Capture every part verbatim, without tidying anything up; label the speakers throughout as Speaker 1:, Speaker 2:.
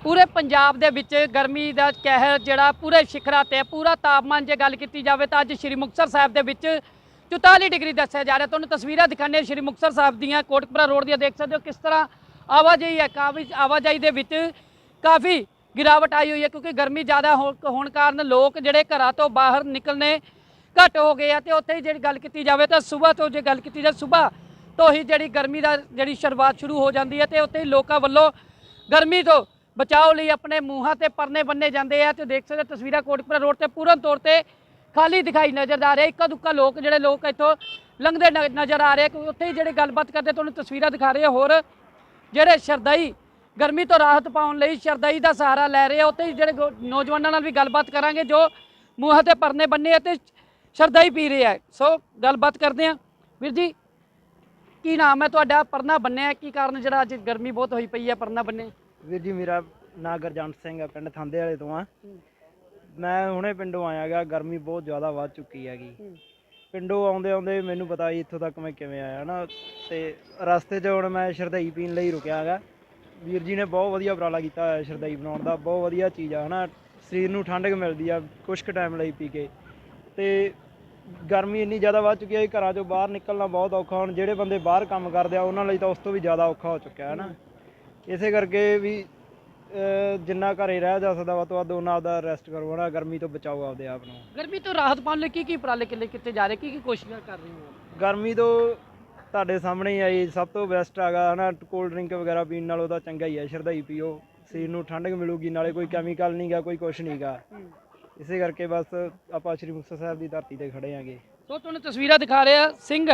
Speaker 1: पूरे पंजाब दे विच गर्मी दा कहर जिहड़ा पूरे शिखरा ते पूरा तापमान जे गल कीती जावे तां अज श्री मुक्तसर साहिब दे विच चौताली डिग्री दस्सिया जा रहा। तुहानूं तस्वीरां दिखाने श्री मुक्तसर साहिब दीआं कोटकपुरा रोड दीआं देख सकते हो किस तरह आवाजाही है। काफ़ी आवाजाही दे विच काफ़ी गिरावट आई हुई है क्योंकि गर्मी ज़्यादा होने कारण लोग जिहड़े घरां तो बाहर निकलने घट हो गए हैं। उत्थे ही जी गल की जाए तो सुबह तो जो गल की जाए सुबह तो ही जी गर्मी का जी शुरुआत शुरू हो जाती है। तो उत्थे ही लोगों वालों गर्मी तो बचाव लिए अपने मूँहों से परने बन्ने जाते हैं। तो देख सकते तस्वीर कोटकपुरा रोड से पूर्ण तौर पर खाली दिखाई नज़र आ रहे। इक्का दुक्का लोग जोड़े लोग इतों लंघते नज़र आ रहे क्योंकि उत्थे ही जी गलबात करते तुहानूं तस्वीर दिखा रहे होर जोड़े श्रद्धाई गर्मी तो राहत पाने लिए श्रद्धाई का सहारा लै रहे हैं। उत्थे ही जोड़े नौजवानों नाल भी गलबात करांगे जो मूँह से परने बन्ने तो श्रद्धाई पी रहे हैं। सो गलबात करते हैं। वीर जी की नाम है तुहाडा? परना बन्ने की कारण जो अज गर्मी बहुत हुई पई है परना बन्ने?
Speaker 2: ਵੀਰ ਜੀ ਮੇਰਾ ਨਾਂ ਗੁਰਜੰਟ ਸਿੰਘ ਹੈ, ਪਿੰਡ ਥਾਂਦੇ ਵਾਲੇ ਤੋਂ ਆ। ਮੈਂ ਹੁਣੇ ਪਿੰਡੋਂ ਆਇਆ ਗਾ। ਗਰਮੀ ਬਹੁਤ ਜ਼ਿਆਦਾ ਵੱਧ ਚੁੱਕੀ ਹੈਗੀ। ਪਿੰਡੋਂ ਆਉਂਦੇ ਆਉਂਦੇ ਮੈਨੂੰ ਪਤਾ ਜੀ ਇੱਥੋਂ ਤੱਕ ਮੈਂ ਕਿਵੇਂ ਆਇਆ ਨਾ। ਤੇ ਰਸਤੇ 'ਚ ਹੁਣ ਮੈਂ ਸ਼ਰਧਾਈ ਪੀਣ ਲਈ ਰੁਕਿਆ ਗਾ। ਵੀਰ ਜੀ ਨੇ ਬਹੁਤ ਵਧੀਆ ਉਪਰਾਲਾ ਕੀਤਾ ਹੋਇਆ ਸ਼ਰਧਾਈ ਬਣਾਉਣ ਦਾ। ਬਹੁਤ ਵਧੀਆ ਚੀਜ਼ ਆ ਹੈ ਨਾ, ਸਰੀਰ ਨੂੰ ਠੰਡਕ ਮਿਲਦੀ ਆ ਕੁਛ ਕੁ ਟਾਈਮ ਲਈ ਪੀ ਕੇ। ਤੇ ਗਰਮੀ ਇੰਨੀ ਜ਼ਿਆਦਾ ਵੱਧ ਚੁੱਕੀ ਹੈ ਘਰਾਂ 'ਚੋਂ ਬਾਹਰ ਨਿਕਲਣਾ ਬਹੁਤ ਔਖਾ। ਹੁਣ ਜਿਹੜੇ ਬੰਦੇ ਬਾਹਰ ਕੰਮ ਕਰਦੇ ਆ ਉਹਨਾਂ ਲਈ ਤਾਂ ਉਸ ਤੋਂ ਵੀ ਜ਼ਿਆਦਾ ਔਖਾ ਹੋ ਚੁੱਕਿਆ ਹੈ ਨਾ। ਇਸੇ ਕਰਕੇ ਵੀ ਜਿੰਨਾ ਘਰੇ ਰਹਿ ਜਾ ਸਕਦਾ ਵਾ ਤੋਂ ਵੱਧ ਉਹਨਾਂ ਆਪਦਾ ਰੈਸਟ ਕਰੋ ਨਾ, ਗਰਮੀ ਤੋਂ ਬਚਾਓ ਆਪਦੇ ਆਪ ਨੂੰ।
Speaker 1: ਗਰਮੀ ਤੋਂ ਰਾਹਤ ਪਾਉਣ ਲਈ ਕੀ ਕੀ ਉਪਰਾਲੇ ਕਿਲੇ ਕੀਤੇ ਜਾ ਰਹੇ, ਕੀ ਕੀ ਕੋਸ਼ਿਸ਼ਾਂ ਕਰ ਰਹੇ ਹੋ?
Speaker 2: ਗਰਮੀ ਤੋਂ ਤੁਹਾਡੇ ਸਾਹਮਣੇ ਹੀ ਆਈ ਸਭ ਤੋਂ ਬੈਸਟ ਹੈਗਾ ਹੈ ਨਾ, ਕੋਲਡ ਡਰਿੰਕ ਵਗੈਰਾ ਪੀਣ ਨਾਲੋਂ ਤਾਂ ਚੰਗਾ ਹੀ ਹੈ ਸ਼ਰਧਾਈ ਪੀਓ। ਸਰੀਰ ਨੂੰ ਠੰਡਕ ਮਿਲੂਗੀ, ਨਾਲੇ ਕੋਈ ਕੈਮੀਕਲ ਨਹੀਂ ਗਾ, ਕੋਈ ਕੁਛ ਨਹੀਂ ਗਾ। ਇਸੇ ਕਰਕੇ ਬਸ ਆਪਾਂ ਸ਼੍ਰੀ ਮੁਕਤਸਰ ਸਾਹਿਬ ਦੀ ਧਰਤੀ ਤੇ ਖੜੇ ਆਂਗੇ।
Speaker 1: ਸੋ ਤੁਹਾਨੂੰ ਤਸਵੀਰਾਂ ਦਿਖਾ ਰਹੇ ਆ ਸਿੰਘ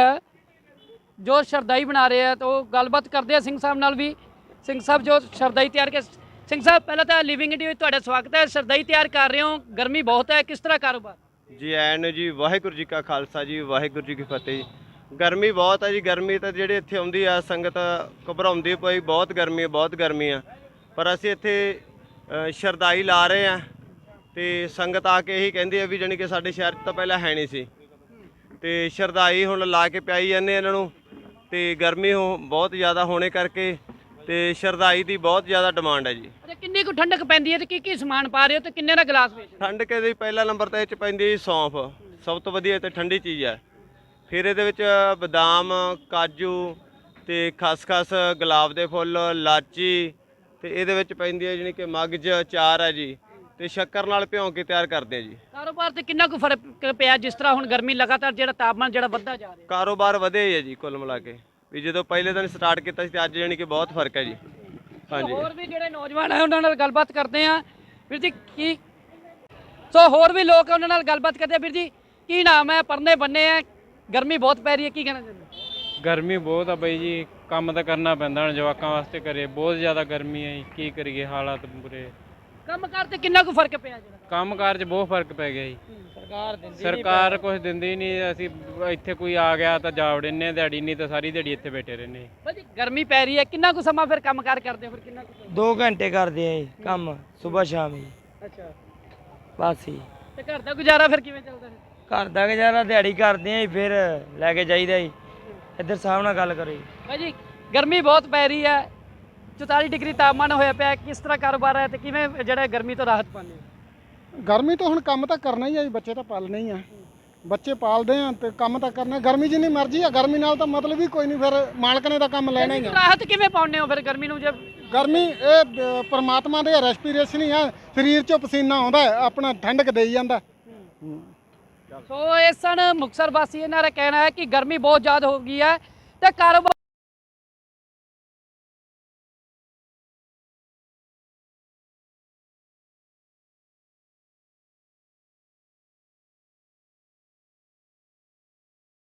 Speaker 1: ਜੋ ਸ਼ਰਧਾਈ ਬਣਾ ਰਹੇ ਆ। तो गलबात करते हैं सिंह साहब नाल भी। सिंह साहब जो शरदाई तैयार कर सिंह साहब पहले तो लिविंग इंडिया में स्वागत है। शरदाई तैयार कर रहे हो, गर्मी बहुत है, किस तरह कारोबार?
Speaker 3: जी ਐਨ जी वाहिगुरू जी का खालसा जी वाहिगुरू जी की फतेह। गर्मी बहुत है जी। गर्मी तो ਜਿਹੜੀ ਇੱਥੇ ਆਉਂਦੀ ਆ ਸੰਗਤ ਘਬਰਾਉਂਦੀ ਪਈ ਬਹੁਤ ਗਰਮੀ ਹੈ ਬਹੁਤ ਗਰਮੀ ਆ। ਪਰ ਅਸੀਂ ਇੱਥੇ ਸ਼ਰਦਾਈ ਲਾ ਰਹੇ ਆ ਤੇ ਸੰਗਤ ਆ ਕੇ ਇਹੀ ਕਹਿੰਦੀ ਆ ਵੀ ਜਾਨੀ ਕਿ ਸਾਡੇ ਸ਼ਹਿਰ 'ਚ ਤਾਂ ਪਹਿਲਾਂ ਹੈ ਨਹੀਂ ਸੀ ਤੇ ਸ਼ਰਦਾਈ ਹੁਣ ਲਾ ਕੇ ਪਿਆਈ ਜਾਂਦੇ ਇਹਨਾਂ ਨੂੰ। ਤੇ ਗਰਮੀ ਹੋ ਬਹੁਤ ਜ਼ਿਆਦਾ ਹੋਣੇ ਕਰਕੇ ਤੇ ਸ਼ਰਦਾਈ ਦੀ ਬਹੁਤ ਜ਼ਿਆਦਾ ਡਿਮਾਂਡ ਹੈ ਜੀ।
Speaker 1: ਅੱਛਾ ਕਿੰਨੀ ਕੁ ਠੰਡਕ ਪੈਂਦੀ ਹੈ ਤੇ ਕੀ ਕੀ ਸਮਾਨ ਪਾ ਰਹੇ ਹੋ ਤੇ ਕਿੰਨੇ ਦਾ ਗਲਾਸ ਵੇਚ?
Speaker 3: ਠੰਡਕ ਇਹਦੇ ਪਹਿਲਾ ਨੰਬਰ ਤੇ ਇਹ 'ਚ ਪੈਂਦੀ ਸੌਂਫ, ਸਭ ਤੋਂ ਵਧੀਆ ਤੇ ਠੰਡੀ ਚੀਜ਼ ਹੈ। ਫਿਰ ਇਹਦੇ ਵਿੱਚ ਬਦਾਮ, ਕਾਜੂ ਤੇ ਖਸਖਸ, ਗੁਲਾਬ ਦੇ ਫੁੱਲ, ਲਾਚੀ ਤੇ ਇਹਦੇ ਵਿੱਚ ਪੈਂਦੀ ਹੈ ਜਾਣੀ ਕਿ ਮਗਜ ਚਾਰ ਹੈ ਜੀ ਤੇ ਸ਼ੱਕਰ ਨਾਲ ਭਿਉਂ ਕੇ ਤਿਆਰ ਕਰਦੇ ਆ ਜੀ।
Speaker 1: ਕਾਰੋਬਾਰ ਤੇ ਕਿੰਨਾ ਕੁ ਫਰਕ ਪਿਆ ਜਿਸ ਤਰ੍ਹਾਂ ਹੁਣ ਗਰਮੀ ਲਗਾਤਾਰ ਜਿਹੜਾ ਤਾਪਮਾਨ ਜਿਹੜਾ ਵੱਧਦਾ ਜਾ ਰਿਹਾ?
Speaker 3: ਕਾਰੋਬਾਰ ਵਧਿਆ ਹੀ ਹੈ ਜੀ ਕੁੱਲ ਮਿਲਾ ਕੇ ਵੀ ਜਦੋਂ ਪਹਿਲੇ ਦਿਨ ਸਟਾਰਟ ਕੀਤਾ ਸੀ ਤੇ ਅੱਜ ਜਾਣੀ ਕਿ ਬਹੁਤ ਫਰਕ ਹੈ ਜੀ। ਹਾਂਜੀ
Speaker 1: ਹੋਰ ਵੀ ਜਿਹੜੇ ਨੌਜਵਾਨ ਹੈ ਉਹਨਾਂ ਨਾਲ ਗੱਲਬਾਤ ਕਰਦੇ ਆ। ਵੀਰ ਜੀ ਕੀ ਸੋ ਹੋਰ ਵੀ ਲੋਕ ਉਹਨਾਂ ਨਾਲ ਗੱਲਬਾਤ ਕਰਦੇ ਆ। ਵੀਰ ਜੀ ਕੀ ਨਾਮ ਹੈ? ਪਰਨੇ ਬੰਨੇ ਆ, गर्मी बहुत पै रही है, की कहना चाहते?
Speaker 4: गर्मी बहुत है बई जी, काम तो करना पैंदा हुण जवाकां वास्ते करे। बहुत ज़्यादा गर्मी है, की करिए हालात बुरे।
Speaker 1: काम कार ते किन्ना कु फर्क पिया?
Speaker 4: काम कार च बहुत फर्क पै गया जी।
Speaker 1: सरकार दिंदी
Speaker 4: सरकार कुछ दिंदी नहीं। असीं इत्थे कोई आ गया तो जा वड़ने दिहाड़ी, नहीं तो सारी दिहाड़ी इत्थे बैठे रहने।
Speaker 1: भाजी गर्मी पै रही है, किन्ना कु समा फिर काम कार करदे हो? फिर किन्ना कु?
Speaker 2: दो घंटे करते हैं काम, सुबह शाम ही।
Speaker 1: अच्छा
Speaker 2: बस ही
Speaker 1: ते घर दा गुजारा फिर किवें चलदा है?
Speaker 2: घर का गुजारा दिहाड़ी करते हैं फिर लैके जाइदा जी। इधर साहब नाल गल करो जी।
Speaker 1: भाजी गर्मी बहुत पै रही है, चौताली डिग्री तापमान होया पिया, किस तरह कारोबार है ते किवें जिहड़ा गर्मी तो राहत पाने?
Speaker 5: गर्मी तो हुण काम तो करना ही है, बच्चे तो पालने ही है। बच्चे पालते हैं तो काम तो करना। गर्मी जिन्नी मर्जी है, गर्मी नाल तो मतलब ही कोई नहीं, फिर मालक ने तो काम लेना ही है।
Speaker 1: राहत किवें पाउने हो फिर गर्मी नूं? जब
Speaker 5: गर्मी ये परमात्मा दे रेस्पिरेशन ही है, शरीर चों पसीना आउंदा है, अपना ठंडक देई जांदा।
Speaker 1: सो इस सन मुक्तसर वासी इन्हां दा कहना है कि गर्मी बहुत ज़्यादा हो गई है तो कारोबार